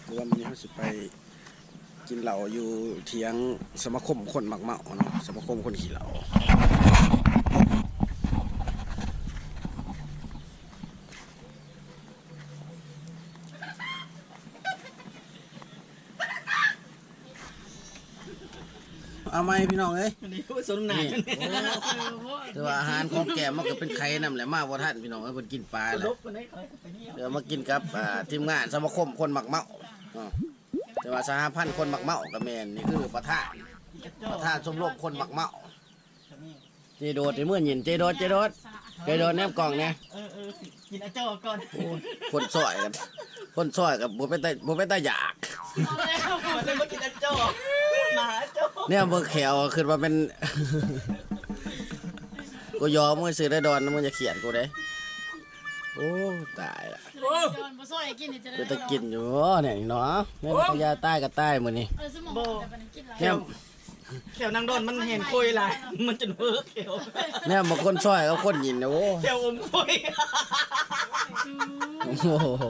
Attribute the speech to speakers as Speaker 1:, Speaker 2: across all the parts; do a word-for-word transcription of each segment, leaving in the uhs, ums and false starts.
Speaker 1: คือว่ามันนี้เขาสิไปกินเหล้าอยู่เถียงสมาคมคนมักเมาเนาะสมาคมคนขี่เหล้าเอาไหมพี่น้องเอ้ยนี่แต่ว่าอาหารของแกมันก็เป็นไข่น้ำแหละมาบ่ทันพี่น้องเอ้ยเพิ่นกินปลาเลยเดี๋ยวมากินกับทีมงานสมาคมคนมักเมาแต่ว่าสหพันธ์คนมักเมากับแมนนี่คือประธานประธานชมรมคนมักเมาเจโดดในเมื่อหยินเจโดดเจโดดเจโดดแนบกล่องเนี่ย
Speaker 2: เออเออกินอาจ้อก่อน
Speaker 1: คนซอยกันคนซอยกับบุเป็นตาบุเป็นตาอยาก
Speaker 2: มันเลยมากินอาจ้อหมาจ้อ
Speaker 1: เนี่ยเบอร์แขวคือว่าเป็นกูยอมมึงซื้อได้ดอนมึงจะเขียนกูได้โอ้ตายละกูจะกินอยู่เนี่ยเนาะเนี่ยพญาใต้กับใต้หมดนี่เนี่ย
Speaker 2: เขียวนางดอนมันเห็นคุยไรมันจะเวิร์กเขียว
Speaker 1: เนี่ยบางคนซอยกับคนยินนะโอ้
Speaker 2: เขียวอมคุย
Speaker 1: โอ้โห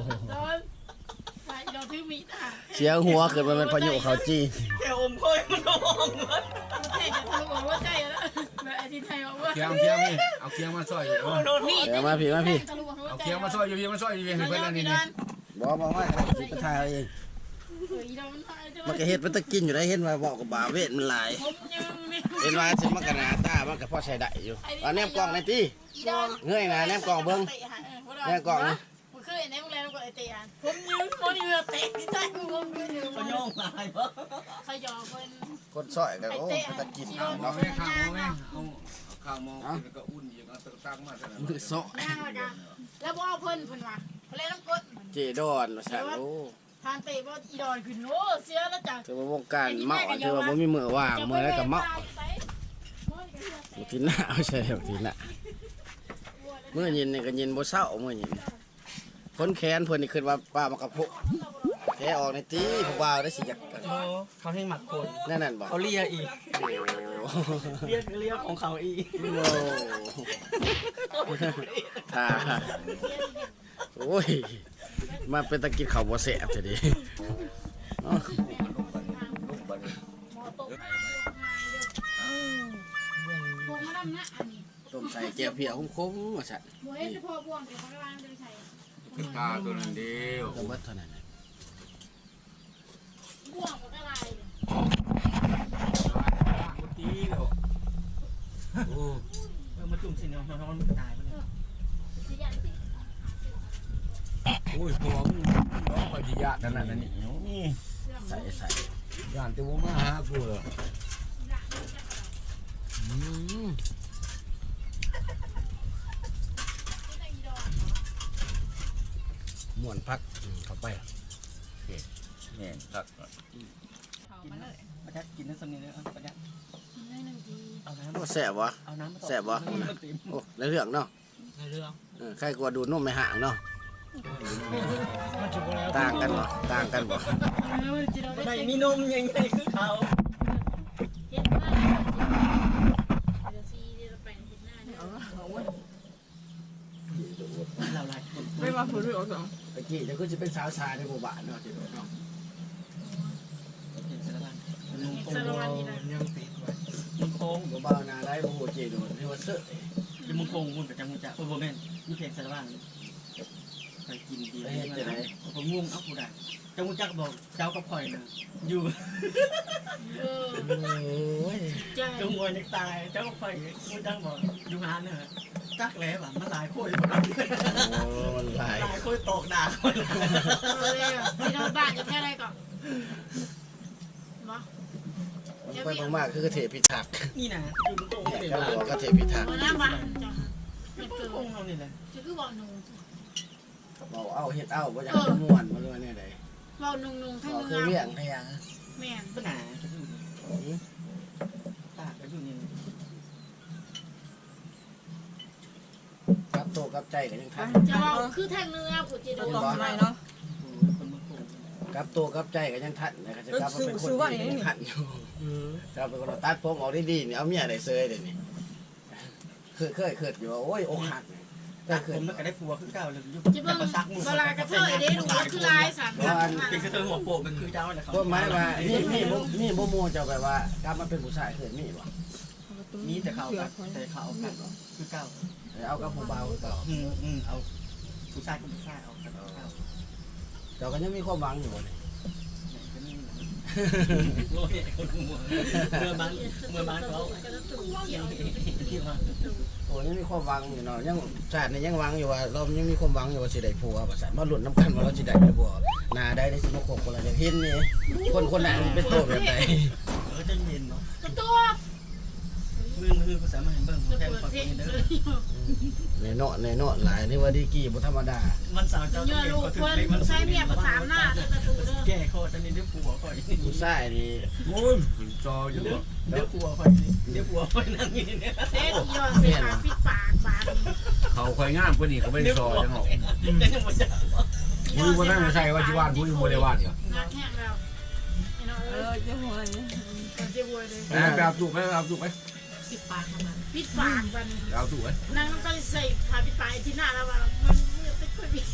Speaker 1: เสียงหัวเกิดมาเป็นพายุเขาจี
Speaker 2: เขียวอมคุยมันร้องมัน
Speaker 3: เคียงเคียงพี่เอาเคียงมาซอยอยู่
Speaker 1: เดี๋ยวมาพี่มาพี่
Speaker 3: เอาเคียงมาซอยอยู่เคียงมาซอยอยู่เพื่อนนี่นี่
Speaker 1: บอกบอกว่าสิกระทายเองมันก็เห็ดมันตะกินอยู่ได้เห็นว่าบอกกับบาเวทมันหลายเห็นว่าสิมันกระนาตามันก็พอใช้ได้อยู่เอาแนมกล่องในตีเงยนะแนมกล่องเบิ้งแนมกล่อง
Speaker 4: เคยในโรงแรมก็ไอเตะผมยืมคนเรือเตะที่ใต้ผมยืม
Speaker 2: เขาโยงลายเพราะ
Speaker 4: เขาหยอกคน
Speaker 1: คนซอยกันโอ้ตะกิน
Speaker 3: เนาะไม่ข้าวมองไม่เอาข้าวมองกินก็อุ่นอย่างเอาตะตังมาแต่
Speaker 1: มือซอย
Speaker 4: แล้วบ่เอาเพิ่นเพิ่นว่าเพลน้ำกด
Speaker 1: เจดอนมาสั่งโอ้
Speaker 4: ทานเตะบ่อีดอนขึ้นโอ้เสียแล้วจ้ะ
Speaker 1: ถือว่าวงการเมาถือว่าบ่มีมือว่างมือแล้วกับเมาทีหน้าไม่ใช่ทีหน้าเมื่อยินนี่ก็ยินบ่เศร้าเมื่อยินคนแขนเพื่อนนี่ขึ้นว่าป้ามากระพุแกออกในตีผู้บ่าวได้สิจัก
Speaker 2: เขาให้หมักคน
Speaker 1: นั่นนั่นบ่
Speaker 2: เขาเลียอีกเลียเลียของเขาอีก
Speaker 1: โอ้ท่าโอ้ยมาเป็นตะกินข้าวบ่แซ่บจะดีต้มใส่แก้วเพียคุ้มๆว่าซั่น
Speaker 3: ขึ้นตาตัวนั้นเดียว
Speaker 1: ก็เบิดเท่านั้น
Speaker 4: บ่วงมันก็ลาย
Speaker 3: ตีเนาะ
Speaker 2: โอ้เออมาจุ่มสิเนาะน้องมันตายไปเลย
Speaker 3: โอ้ยพอมึงน้องปฏิญาณนั่นน่ะนี่
Speaker 1: ใส่ใส่
Speaker 3: ย่านแต่ว่ามาหากูเหรอ
Speaker 1: ม่วนพักเข้าไป
Speaker 3: เนี่ยตัก
Speaker 2: ประจักกินน้ำสำเนียงเลยประจัก
Speaker 1: เอาน้ำแสบวะแสบวะโอ้ในเรื่องเนาะ
Speaker 2: ในเรื่อง
Speaker 1: ใครกลัวดูนุ่มไม่ห่างเนาะต่างกันบ่ต่างกันบ่
Speaker 2: ไม่มีนมยังไงคือเขา
Speaker 4: ไม่มาพูดด้วยหรอ
Speaker 1: ตะกี้จะก็จะเป็นสาวชายในหมู่บ้านเนาะจิโดเนาะ
Speaker 2: สารวัตรยังติดไว้มึงโค้ง
Speaker 1: บ่บ่าวนาได้บ่โหเจโดนี่ว่าเสื้อ
Speaker 2: ยังมึงโค้งมึงกับจังมึงจะโอ้โหแม่นมึงเพียงสารวัตรไปกินดีเลยนะผมงงเอ้ากูได้จังมึงจักบอกเจ้ากับข่อยนะอยู่จังมวยนักตายเจ้ากับข่อยมึงจังบอกอยู่งานเนี่ยจักแล้วแบบมันหลายคน
Speaker 1: หลาย
Speaker 2: หลายคนตกด่าคน
Speaker 4: ที่เราบ้านจะแค่ไรก่อน
Speaker 1: ไปมากๆคือกระเทพิทักษ์
Speaker 2: นี่นะอยู่ตรงนี้
Speaker 1: เลยกระเทพิทักษ์
Speaker 4: น้ำบ้านจ้ะ
Speaker 2: คือองเราเนี่ยแหละ
Speaker 4: คือบอกนุ่ง
Speaker 1: บอกเอาเห็ดเอาว่าอยากจะม้วนมาเลยเนี่ยไหน
Speaker 4: บอกนุ่งนุ่งทั้งเนื้อ
Speaker 1: คือเรื่องพยา
Speaker 4: แม่
Speaker 2: ปัญหาตากไปอยู่นี่
Speaker 1: กับโตกับใจกันยังทัน
Speaker 4: จะว่าคือแทงเนื้อผู้จีน
Speaker 2: ต้องทำไมเนาะ
Speaker 1: กับโตกับใจกันยังทันนะครับจะกับเป็นคนที่ยังทันอยู่ครับเป็นคนตัดผมออกดีๆเนี่ยเอาเมียได้เซยเดี๋ยวนี้เคยเคยเคยอยู่โอ้ยอกหัก
Speaker 2: ตักผมมันก็ได้ผัวคือเก่าเลยอยู่
Speaker 4: จิบเบิ้งเวลากระเทยเด้ดูว่าคือลายสัน
Speaker 2: เป็นกระเทยหัวโปกเป็นคือเจ้าแหละครับ
Speaker 1: ก็หมายว่านี่นี่บ่นี่บ่มูเจ้าแบบว่ากลับมาเป็นผู้ชายเคยมีบ่
Speaker 2: มีแต่เขาแต่เขากันคือเก่า
Speaker 1: เอากับผู้บ่าวเก่า
Speaker 2: อืมอืมเอาผู้ชายกับผู้ชายเอากันเก่า
Speaker 1: เจ้าก็ยังมีความหวังอยู่บ่นี่
Speaker 2: โอ้ยคนหัวเมื่อบ้านเมื่อบ้านเขาที่ว่า
Speaker 1: โอ้ยังมีความหวังอยู่เนาะยังชาตินี้ยังหวังอยู่ว่าเรายังมีความหวังอยู่ว่าสิได้ผัวว่าซั่นมาลุ้นนํกันว่าเราสิได้หรือบ่หน้าได้ได้สิมาคบคนละอย่างเห็นนี่คนคนนั้นเป็นโตแบบใด
Speaker 2: เออจะเย็นเนาะ
Speaker 4: กระตัว
Speaker 2: มือมือภาษามาเห็นเบิ่ง
Speaker 4: จะ
Speaker 2: แทน
Speaker 4: เปิด
Speaker 2: ฝั่ง
Speaker 4: เพลง
Speaker 2: นี้เด้
Speaker 4: เล
Speaker 2: อย
Speaker 1: ในเนาะในเนาะหลายนี่ว่าดีกี่บ่ธรรมดา
Speaker 2: วันเสาร์เจ้า
Speaker 4: เยอะลูกคนใช้เมียประสามหน้าเด้อกระตูเด้อ
Speaker 2: แก้ข้อตอนนี้เดี๋ยวผัวก่อน
Speaker 1: ผู้ชายนี่
Speaker 3: โอ้ยจออยู่
Speaker 2: เดี๋ยว
Speaker 3: บ่
Speaker 2: เดี๋ยวผัวก่อนเดี๋ยวผัวก่อนนั่งอยู่เนี่ย
Speaker 4: เด็กย้อนเสียขาปิดปากบาด
Speaker 3: เขาค่อยงามกว่านี้เขาไม่ได้ซอยจังหรอก
Speaker 2: แต่ยังบ่จะ
Speaker 3: บุ้ยบ่ได้มาใส่ว่าที่บ้านบุ้ยบ่ได้ว่าเนี่ย
Speaker 4: งักแห้งแล้วไอ้น้องเออจะหวยจะหวยเลย
Speaker 3: แม่ไปเอาตุกไปเอาตุกไป
Speaker 4: ปิดปากมันปิดปากมัน
Speaker 3: เอาตุกไป
Speaker 4: นางก็ใส่ผ้าปิดปากที่หน้าแล้วว่ามันมือติดคุยบิด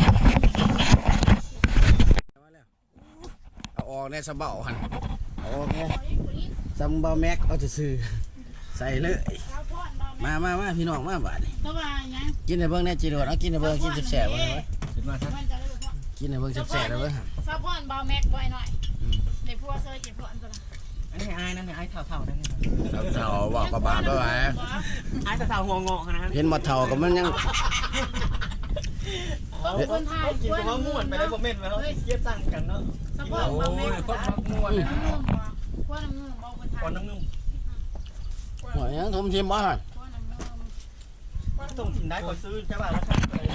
Speaker 1: เอาออกในสะเบาหั่นเอาออกไงซัมเบาแม็กเอาซื่อๆใส่เลยมามามาพี่น้องมาบาดนี่
Speaker 4: ตัวว่าไง
Speaker 1: กินให้เบิ่งแน่จิโดดเอากินให้เบิ่งกินแซ่บๆเบิ่งไว้
Speaker 3: ขึ้นมาครับ
Speaker 4: มันจะได้แบบว่า
Speaker 1: กินให้เบิ่งแซ่บๆเด้อเบิ่ง
Speaker 4: ซับพอนเบาแม็กไว้หน่อยในพวกเคยเก็บพอนตัวละ
Speaker 2: อันนี้อายนั่นเนี่ยอายเท่าๆนั่นเนี่ย
Speaker 1: เอาเฒ่าบอกกับบาดไปไว้
Speaker 2: อายเท่าๆหัวงอกนะ
Speaker 1: เห็นบ่เฒ่าก็มันยัง
Speaker 4: ต้องคนไทย
Speaker 2: กินกับว่าม่วนไปได้บ่แม่นแล้วเกียดสั่งกันเนาะ
Speaker 4: ซับพอนเบาแม็ก
Speaker 3: คนมักม่วน
Speaker 4: น้ำนุ่มบ่พวกน้ำนุ่มเบาคนไทย
Speaker 2: ก่อนน้ำนุ่ม
Speaker 1: หัวยังทมชิมบ่หั่น
Speaker 4: พวกน้ำนุ่ม
Speaker 2: ส่งถิ่นได้ก็ซื้อใช่ป่ะราคา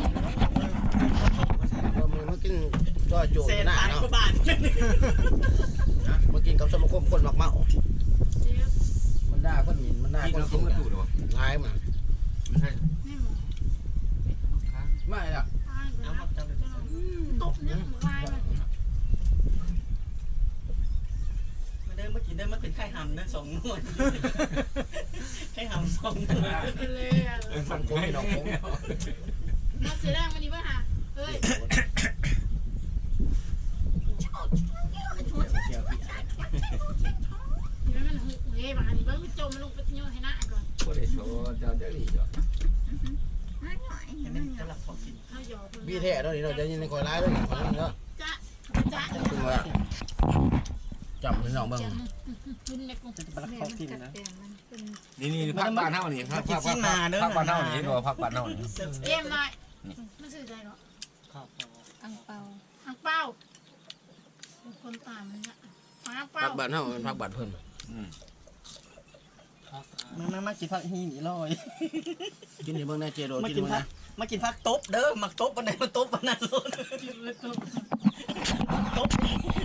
Speaker 1: บ่มือมากินก็โจ
Speaker 2: เศษ
Speaker 1: หน้า
Speaker 2: ตาย
Speaker 1: เนาะ
Speaker 2: กว่าบาท
Speaker 1: มากินกับสมาคมคนมักเมา
Speaker 4: เจี๊ยบ
Speaker 1: มันด่าคนหมิ่นมันด่า
Speaker 3: ที่
Speaker 1: คน
Speaker 3: เรา
Speaker 1: กิ
Speaker 3: ต้อน งกระตุกหรอ
Speaker 1: หลายมา
Speaker 3: ไม่ใช่
Speaker 4: นี่หมู
Speaker 1: ไม่ล่ะ
Speaker 4: อ้ายนะตบเนี่ยหมูลายมัน
Speaker 2: มาเดินมากินได้มาเป็นไข่หำนะสองนวดไข่หำสองนวด
Speaker 4: เลยอ่ะ
Speaker 1: สังคมให้น้องผม
Speaker 4: มาเสียแรงวันนี้ป่ะฮะเฮ้ย
Speaker 1: เกี่ยวพี่
Speaker 4: นี่มันหุบเฮ้ยบางอันนี้เบิ้งจมลงไปโยนให้หน้าก่อน
Speaker 3: บ่ได้โชว์เจ้าเจ้าดีจ้ะ
Speaker 2: จะหลับพอกิน
Speaker 4: เขาหยอก
Speaker 1: พี่แท้เนาะนี่เราจะยินในคอยร้ายด้วยคนนึงเนาะ
Speaker 4: จ้าจ้า
Speaker 1: ขึ้นมาจับพี่น้องเบิ่ง
Speaker 4: คุณเล็กกู
Speaker 2: จะไปรักพอกินนะ
Speaker 3: นี่นี่พักบ้านเฮานี่พักพักพักพักบ้านเฮานี่เนาะพักบ้านเฮานี่
Speaker 4: เอ็มหน่อยไม่ซื้อใจเนาะ
Speaker 2: ครับ
Speaker 4: อังเปาอังเปาคนตามมันเนี่ยอังเปา
Speaker 1: พักบัตรเฮาเป็นพักบัตรเพิ่น
Speaker 3: อืม
Speaker 2: มามามากินผักฮีนี่ลอย
Speaker 1: กินให้เบิ่งแน่เจโด
Speaker 2: มา
Speaker 1: กิน
Speaker 2: กิน
Speaker 1: เบิ่ง
Speaker 2: ผัก
Speaker 1: นะ
Speaker 2: มากินผักตบเด้อมักตบวันไหนมาตบวันนั้นเลยตบตบ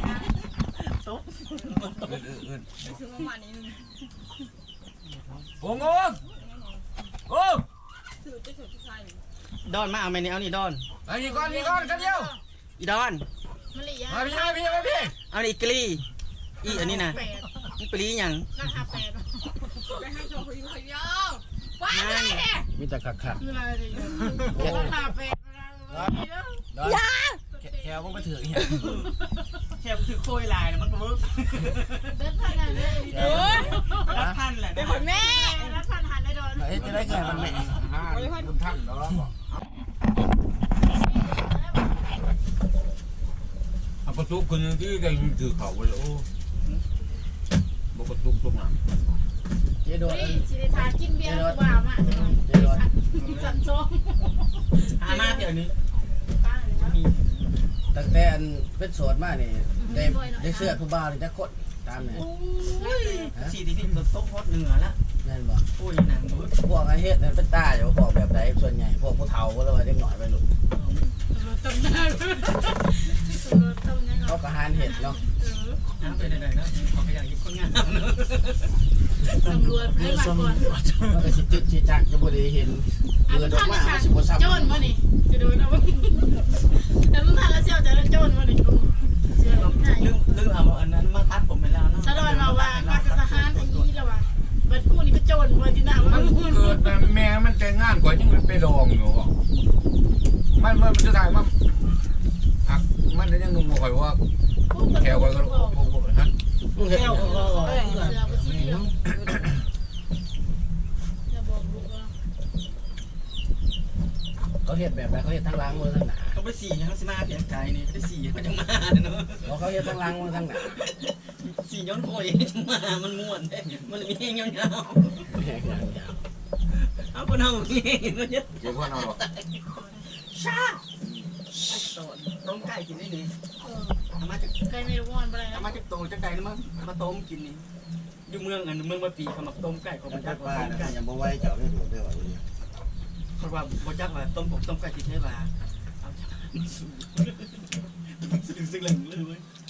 Speaker 3: อื่นอื่น
Speaker 4: ซื้อมาหมานี้นึง
Speaker 3: โอ้งงโอ้
Speaker 4: ซื้อจะซื้อที่ใส่
Speaker 2: ดอนมาเอาไหมนี่เอานี่ดอน
Speaker 3: ไอ้นี่ก่อนนี่ก่อนกันเดียว
Speaker 2: อีดอน
Speaker 4: มะลิยา
Speaker 3: มาพี่มาพี่มาพี่
Speaker 2: เอานี่กลีอีอันนี้นะ
Speaker 4: แปด
Speaker 2: นี่ปลีหยัง
Speaker 4: ราคาแปดไปให้ชมคุยคุยยาวว้าวเลยเนี่ย
Speaker 1: มีแต่คัก
Speaker 4: คืออะไรเนี่ยราคาแปด
Speaker 1: ๆดอนแค่บ่ไปถึงเนี่ย
Speaker 2: แค่คือโคยลายนะมันก็เวิร์ก
Speaker 4: เดินผ่านอะไรเลย
Speaker 1: เออ
Speaker 2: รักท่านแหละ
Speaker 4: เป็นคนแม่รับผ่านหันได้โดน
Speaker 1: เฮ็ดจะได้แค่มันแม่
Speaker 3: ห้าคุณท่านแล้วบ่เอาประตูคนที่ได้ถือเขาเลยโอ้บ่ประตูตรงนั้น
Speaker 1: เจโด
Speaker 4: เฮ้ยสิได้ทากินเบียร์บ้ามาสั่นซ้อม
Speaker 2: อามาเดี๋ยวนี้
Speaker 4: ป้าเลยนะ
Speaker 2: มี
Speaker 1: ตั้งแต่อันเป็นโสดมานี่ได้ได้เสื้อผู้บ่าวนี่จักคนตามนี่
Speaker 4: โอ้ย
Speaker 2: สีที่ที่โต๊ะฮอตเหนือละ
Speaker 1: แม่นบ่
Speaker 2: โอ้ยหนังเวิร์ก
Speaker 1: พวกไอ้เฮ็ดนั่นเป็นตาอยู่พวกแบบใดส่วนใหญ่พวกผู้เฒ่าบ่แล้วว่าเด็กน้อยไปลูก
Speaker 4: ตำนานตำนาน
Speaker 1: เขาก็หานเฮ็ดเนาะ
Speaker 2: น้ำไปไหนๆนะขอขยันยิบคนงาน
Speaker 4: ตำรวจให้มาก่อน
Speaker 1: มันก็สิตึกสิจักจะบ่ได้เห็นเปิดออกมามันสิบ่ซ้ำ
Speaker 4: โจนมานี่จะโดนเอาแต่มึงผ่านแล้วเชี่ยวจะโจนมานี่กูเชื่อไหน
Speaker 2: ลืมลืมเอาอันนั้นมาทัดผมไปแล้วนะ
Speaker 4: สะดอนมาว่ามากับทหารอันนี้แล้วว่าบัดกูนี่ก็โจนมาที่หน้ามัน
Speaker 3: มันเกิดแต่แม่มันแต่งงานกว่ายังมันไปดองอยู่คอยว่าแควไว้ก็โอ้โหฮะ
Speaker 1: มึงเห็น
Speaker 2: แก้ว
Speaker 1: หยัง
Speaker 2: ก็
Speaker 4: เออเสือไปสิเนาะอย่าบอกลูกว่า
Speaker 1: เขาเห็นแบบไหนเขาเห็นทั้งหล้างมือทั้งหนา
Speaker 2: เขาไปสี่เขาสิมาเสียใจนี่ได้สี่เขาจะมาเนาะ
Speaker 1: เพราะเขาเห็นทั้งหล้างมือทั้งหนา
Speaker 2: สี่ย้อนโอยจะมามันม่วนมันมีเงี้ยเงี้ย
Speaker 1: แหงอย่างยาว
Speaker 2: เอาคนเอาเงี้ยมันเยอะ
Speaker 3: เดี๋ยวพ่อเอาหรอก
Speaker 2: ชาต้มไก่กินได้นี่
Speaker 4: เออ
Speaker 2: เอามาจาก
Speaker 4: ใครไม่รู้ว่ามันอะไร
Speaker 2: เอา
Speaker 4: นะ
Speaker 2: มาจากโตจากไก่แล้วมั้งมาต้มกินนี่อยู่เมืองอันเมืองมาปีเขามาต้มไก่เขา
Speaker 1: แล้
Speaker 2: บ
Speaker 1: ว
Speaker 2: จั
Speaker 1: ก็
Speaker 2: ก
Speaker 1: ป้า
Speaker 2: ว่าต้ม
Speaker 1: นะ
Speaker 2: ไก่
Speaker 1: ยังบ่ไหวเจ้าได้ดูได้ว่าอย่างนี้
Speaker 2: เพราะว่าบจักว่าต้มผมต้มไก่ที่ใช้ว่าเอาซึ่งซึ่งเลยเลย